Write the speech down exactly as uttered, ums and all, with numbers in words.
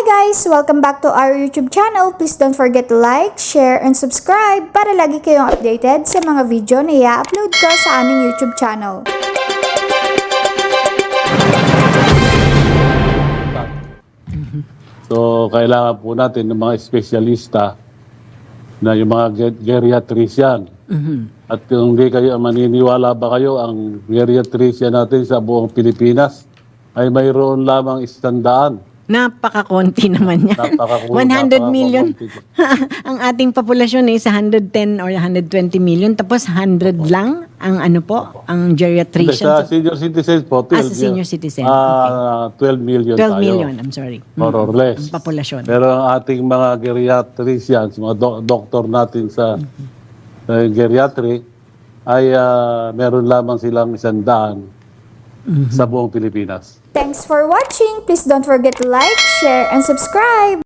guys! Welcome back to our YouTube channel. Please don't forget to like, share, and subscribe para lagi kayong updated sa mga video na i-upload ko sa aming YouTube channel. So, kailangan po natin ng mga espesyalista na yung mga ge- geriatrician. Mm-hmm. At kung hindi kayo maniniwala ba kayo, ang geriatrician natin sa buong Pilipinas ay mayroon lamang istandaan. Napakakonti naman yan. Napakakunti, one hundred million. napakakonti. Ang ating populasyon is one hundred ten or one hundred twenty million. Tapos one hundred lang ang ano po, ang Hindi, geriatrician. sa senior citizens po, Ah, sa senior citizen. ah, twelve million twelve tayo. million, I'm sorry. More or less. Ang populasyon. Pero ang ating mga geriatricians, mga do- doktor natin sa sa geriatry, ay ah, meron lamang silang isang daan sa buong Pilipinas. Thanks for watching! Please don't forget to like, share, and subscribe!